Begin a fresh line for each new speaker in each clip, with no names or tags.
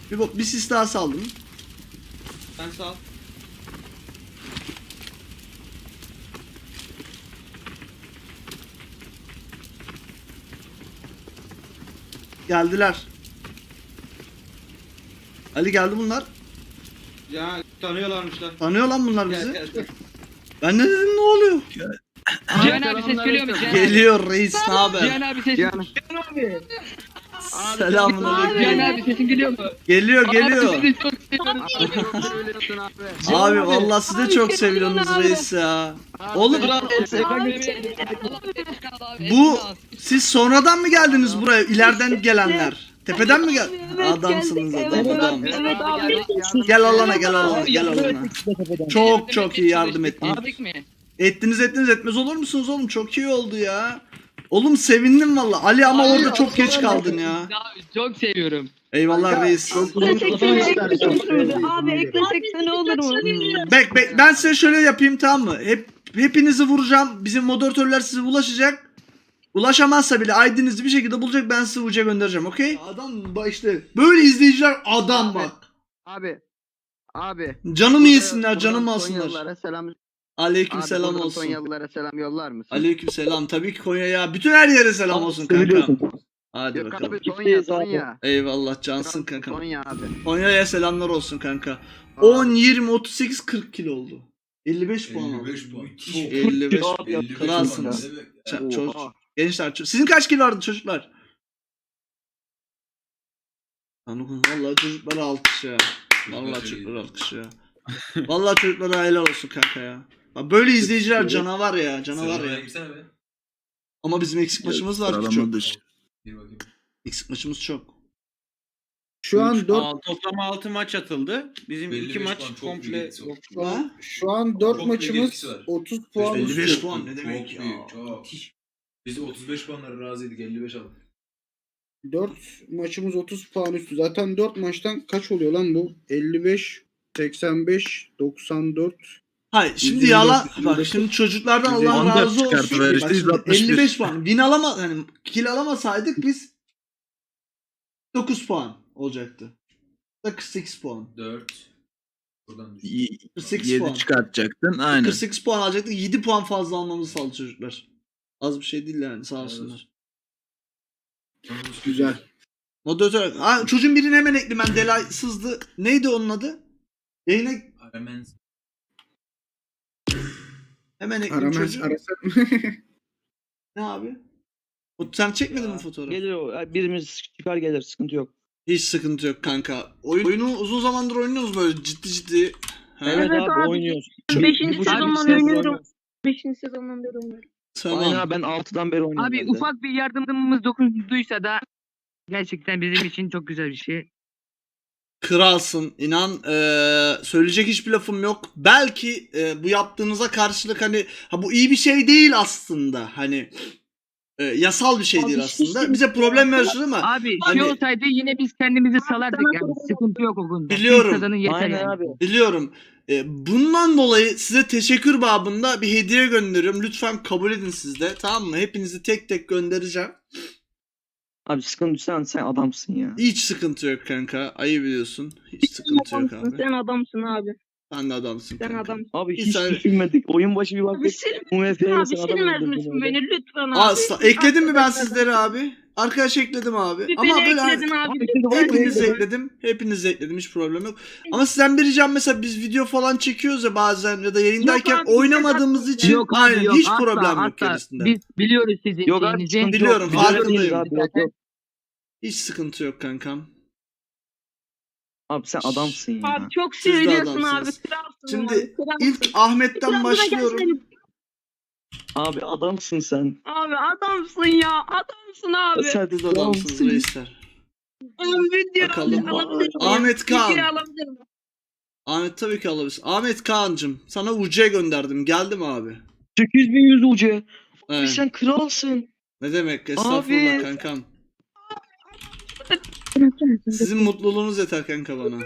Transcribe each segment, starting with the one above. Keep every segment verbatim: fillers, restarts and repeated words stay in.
Bir, bo- bir sis daha saldım.
Sen sağ ol.
Geldiler. Ali geldi bunlar.
Ya tanıyorlarmışlar.
Tanıyor lan bunlar
Gel
bizi.
gel gel.
Ben ne dedim, ne oluyor?
Cihan abi ses geliyor mu? Cihan abi.
Geliyor reis, ne haber?
Cihan abi sesin.
Cihan.
Selamun
Cihan
aleyküm.
abi sesin geliyor mu?
Geliyor geliyor.
Abi sizi çok seviyorum.
Söylüyorsun abi.
Abi vallahi siz de çok seviyorsunuz reis ya. Oğlum bu siz sonradan mı geldiniz buraya? İleriden gelenler. Tepeden mi gel? Adamsınız adam adam.
Evet abi.
Gel alana gel alana gel alana. Çok çok iyi yardım ettiniz.
Abi mi?
Ettiniz ettiniz etmez olur musunuz oğlum? Çok iyi oldu ya. Oğlum sevindim valla. Ali ama orada çok geç kaldın ya.
Abi çok seviyorum.
Eyvallah reis.
Teşekkür ederim. Abi eklesek ne olur mu?
Bek bek ben size şöyle yapayım, tamam mı? Hep hepinizi vuracağım. Bizim moderatörler size ulaşacak. Ulaşamazsa bile I D'nizi bir şekilde bulacak, ben size uca göndereceğim, okey? Adam bak işte böyle izleyiciler adam bak.
Abi. Abi.
Canımı yesinler,
Buradan
canımı alsınlar.
Sonyalılara selam.
Aleyküm
Abi
selam
buradan
olsun.
Sonyalılara selam yollar mısın?
Aleyküm selam. Tabii ki Konya'ya, bütün her yere selam olsun kanka. Hadi
Yok
bakalım.
abi Sonya Sonya.
Eyvallah cansın kanka.
Sonya abi.
Konya'ya selamlar olsun kanka. on, yirmi, otuz sekiz, kırk kilo oldu. elli beş puan oldu.
elli beş puan.
elli beş
elli beş
kralsınız.
puan.
Ç- çocuk-
Oha.
Gençler, ço- sizin kaç kilo vardı çocuklar? Anladım. Vallahi çocuklara alkış ya. Vallahi çocuklara alkış ya. Vallahi çocuklara helal olsun kanka ya. Bak böyle izleyiciler canavar ya, canavar
Sıralamaya
ya.
girsene be.
Ama bizim eksik maçımız var ki çok.
Sıralama dışı.
Bir bakayım.
Eksik maçımız çok.
Şu an dört
Aa, toplam altı maç atıldı. Bizim
elli
iki
beş
maç
puan, çok
komple
büyük etkisi var.
yok.
şu an, şu an dört
Çok büyük
maçımız
etkisi var.
otuz puan
elli beş
üstü.
puan ne demek
Çok
ya?
büyük, çok. Biz otuz beş puanlara razıydık, elli beş aldık.
dört maçımız otuz puan üstü. Zaten dört maçtan kaç oluyor lan bu? elli beş, seksen beş, doksan dört.
Hayır şimdi
yüz yirmi
yalan
dört, yüz yirmi
bak
dokuz,
şimdi çocuklardan
yüz yirmi
Allah
dört
razı olsun.
çıkartıver
Bak
işte,
şimdi
yüz altmış bir.
elli beş puan. Win alama hani kill alamasaydık biz dokuz puan olacaktı. Da kırk sekiz puan.
dört. Buradan düştü.
Y-
kırk sekiz puan.
yedi çıkartacaktın aynen.
kırk sekiz puan alacaktık. yedi puan fazla almamızı sağladı çocuklar. Az bir şey değil yani, sağ olsunlar.
Güzel.
Moderatör. Ha, çocuğun birini hemen ekledim ben. Delay sızdı. Neydi onun adı? Yayına
Hemen
hemen ekledim
Aramaz,
çocuğu.
arasak.
Ne abi? O- Sen çekmedin mi fotoğrafı?
Gelir o. Birimiz çıkar gelir. Sıkıntı yok.
Hiç sıkıntı yok kanka. Oyun, oyunu uzun zamandır oynuyoruz böyle ciddi ciddi. Ha,
Evet,
Evet
abi,
abi.
oynuyoruz.
Beşinci
Bir buçuk
sezondan
sene
oynuyorum.
oynuyoruz.
Beşinci sezondan beri oynuyorum.
Tamam.
Aynen abi ben altıdan beri oynuyorum.
Abi
ben de.
ufak bir yardımımız dokunduysa da gerçekten bizim için çok güzel bir şey.
Kralsın inan, eee, söyleyecek hiçbir lafım yok. Belki eee, bu yaptığınıza karşılık hani ha bu iyi bir şey değil aslında, hani eee, yasal bir şey
Abi
değil
hiç
aslında.
değil.
Bize problem yaşadı ama
Abi şey
Hani-
olsaydı yine biz kendimizi salardık
sana
yani.
sorun
Sıkıntı yok o konuda.
Biliyorum.
Siz kazanın yeter
Aynen
yani.
abi.
biliyorum. Eee, bundan dolayı size teşekkür babında bir hediye gönderiyorum. Lütfen kabul edin siz de, tamam mı? Hepinizi tek tek göndereceğim.
Abi sıkıntı sen sen adamsın ya.
Hiç sıkıntı yok kanka. Ayıp biliyorsun. Hiç sıkıntı yok
Adamsın,
abi.
sen adamsın abi.
Sen de adamsın
Sen
kanka.
adamsın.
Abi
Bir
hiç
saniye.
düşünmedik. Oyun başı bir
Abi
baktık.
sil,
U M F'ye
abi
sen adam
silmez
öldürdün
misin
öyle.
beni lütfen abi.
Asla. Ekledim mi ben
Arkadaşlar,
sizleri abi? Arkadaş ekledim abi.
Bir
Ama
beni
böyle
ekledin abi.
Abi şimdi var ya,
hepinizi
böyle-
ekledim. Hepinizi ekledim. Hiç problem yok. Ama sizden bir ricam, mesela biz video falan çekiyoruz ya bazen ya da yayındayken
Yok abi,
oynamadığımız için
Yok abi,
aynen
yok,
hiç
asla,
problem yok
asla.
gerisinde.
Biz biliyoruz sizin
Yok abi
şeyinizi.
sıkıntı
Biliyorum,
yok. Biliyoruz
farkındayım.
abi, yok, yok.
Hiç sıkıntı yok kankam.
Abi sen adamsın ya.
Abi çok
Siz de
söylüyorsun abi.
adamsınız.
Kralsın
Şimdi
abi. Kralsın.
İlk Ahmet'ten
Trabzon'a
başlıyorum.
gelsene.
Abi adamsın sen.
Abi adamsın ya. Adamsın abi.
Sen
Siz de adamsınız reisler.
Abi video
Bakalım.
alabilir miyim?
Ahmet Kaan.
Video alabilir miyim?
Ahmet tabii ki alabilirsin. Ahmet Kaan'cım sana U C gönderdim. Geldi mi abi?
sekiz bin yüz ucu. Abi
Evet.
sen kralsın.
Ne demek? Estağfurullah
Abi.
kankam. Sizin mutluluğunuz yeter kanka bana.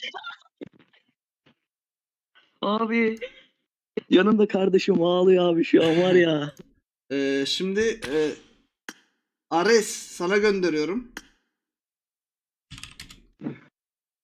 Abi. Yanında kardeşim ağlıyor abi şu an var ya.
Ee, şimdi e, Ares sana gönderiyorum.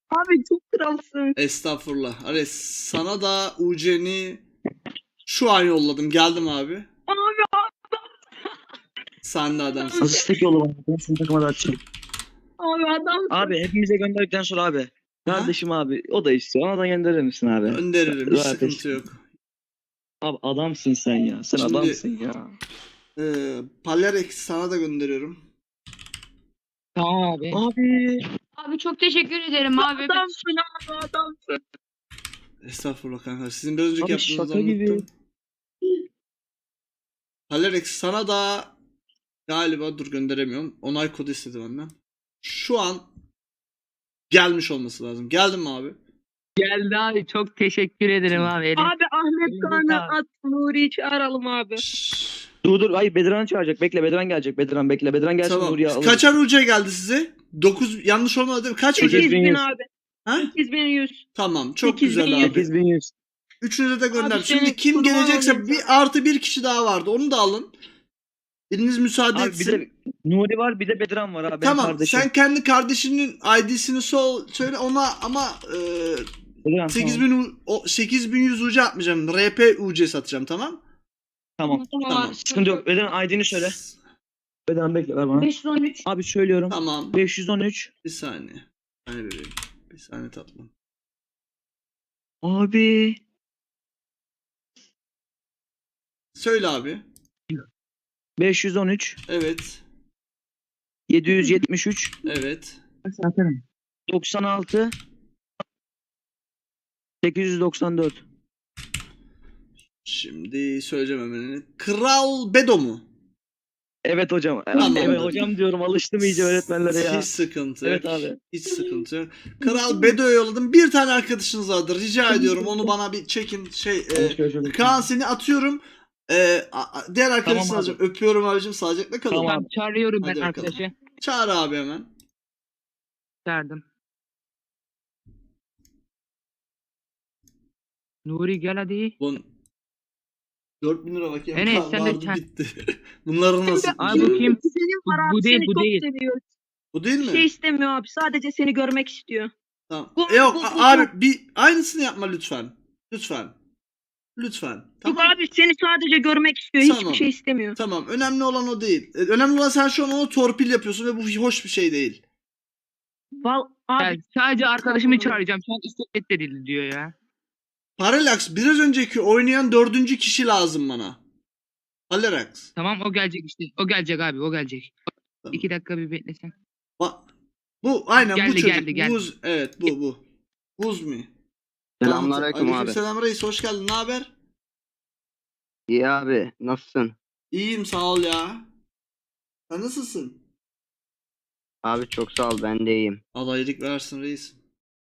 Abi çok kralsın.
Estağfurullah. Ares sana da U C'ni şu an yolladım. Geldim abi.
Abi
Sen de adamsın.
Nasıl istek yolu var? Ben sizin takıma da atacağım.
abi adam.
Abi hepimize gönderdikten sonra abi. Kardeşim abi o da istiyor. Ona da gönderir misin abi?
Gönderirim. Hiç
Zaten-
sıkıntı yok.
Abi adamsın sen ya. Sen
Şimdi-
adamsın ya.
Ee, Palerex sana da gönderiyorum.
Tamam abi.
Abi.
Abi çok teşekkür ederim abi.
Adamsın abi adamsın.
Estağfurullah kanka. Sizin biraz önceki
Abi
yaptığınızı
şaka gibi.
unuttum. Palerex sana da galiba dur gönderemiyorum. Onay kodu istedi benden. Şu an gelmiş olması lazım. Geldin mi abi?
Geldi abi. Çok teşekkür ederim abi. Elim-
Abi Ahmet
Elim
Kaan'ı
sağ-
at Nuri'yi çağıralım abi.
Şşş.
Dur dur. Hayır Bedran'ı çağıracak. Bekle Bedran gelecek. Bedran bekle. Bedran gelsin
Tamam.
Nuriye alır.
Kaçar U C geldi size? dokuz yanlış olmadı değil mi? Kaç U C?
sekiz bin
yüz.
abi.
Ha?
sekiz bin yüz.
Tamam. Çok
sekiz bin
güzel
yüz.
abi.
sekiz bin yüz.
Üçünüze de gönder.
Abi
Şimdi
senin
kim
kurban
gelecekse
olayım
bir artı bir kişi daha vardı. Onu da alın. Biriniz müsaade
Abi bir
etsin.
de Nuri var bir de Bedran var abi. benim
Tamam.
kardeşim.
Sen kendi kardeşinin I D'sini sol söyle ona ama e,
Bedran,
sekiz
tamam.
bin u- o sekiz bin yüz U C atmayacağım. R P U C satacağım tamam?
Tamam.
Tamam.
Sıkıntı yok. Bedran I D'ni söyle. Bedran bekle ver bana.
beş yüz on üç.
Abi söylüyorum.
Tamam.
beş yüz on üç.
Bir saniye. Bir saniye bebeğim. Bir saniye tatlım.
Abi.
Söyle abi.
beş yüz on üç.
Evet.
yedi yüz yetmiş üç.
Evet.
doksan altı. sekiz yüz doksan dört.
Şimdi söyleyeceğim hemen. Kral Bedo mu?
Evet hocam.
Tamam.
Evet hocam diyorum alıştım iyice öğretmenlere ya.
Hiç sıkıntı yok.
Evet abi.
Hiç sıkıntı yok. Kral Bedo'ya yolladım. Bir tane arkadaşınız vardır. Rica ediyorum. Onu bana bir çekin. Şey, e, Kaan seni atıyorum. E, a- a- diğer arkadaşını
Tamam abi.
alacağım. Öpüyorum abicim. Sağlıcakla kalın.
Tamam.
Tamam, çağırıyorum ben
Hadi bakalım.
arkadaşı.
Çağır abi hemen.
Çağırdım. Nuri gel hadi.
Bun dört bin lira bakayım.
Enes,
Kaan
sen de
vardı
çağır.
bitti. Bunları nasıl?
Abi bu kim?
Senin var
Bu
abi
değil,
seni
bu
çok
değil.
seviyor.
Bu değil
Bir
mi?
şey istemiyor abi. Sadece seni görmek istiyor.
Tamam.
Bu-
E, yok
bu-
a-
bu-
abi bir aynısını yapma lütfen. Lütfen. Lütfen.
Yok
Tamam.
abi seni sadece görmek istiyor.
Tamam.
Hiçbir şey istemiyor.
Tamam. Önemli olan o değil. E, Önemli olan sen şu an onu torpil yapıyorsun ve bu hoş bir şey değil.
Val abi
Ya, sadece arkadaşımı çağıracağım. Şu an istek edildi diyor ya.
Parallax biraz önceki oynayan dördüncü kişi lazım bana. Parallax.
Tamam o gelecek işte. O gelecek abi o gelecek.
Tamam.
İki dakika bir beklesen.
Ba- bu aynen bu
Geldi,
çocuk.
geldi, geldi.
Buz evet bu bu. Buz mu?
Selamünaleyküm abi.
Selam reis hoş geldin. Ne haber?
İyi abi nasılsın?
İyiyim sağ ol ya. Sen nasılsın?
Abi çok sağ ol ben de iyiyim.
Allah iyilik versin reis.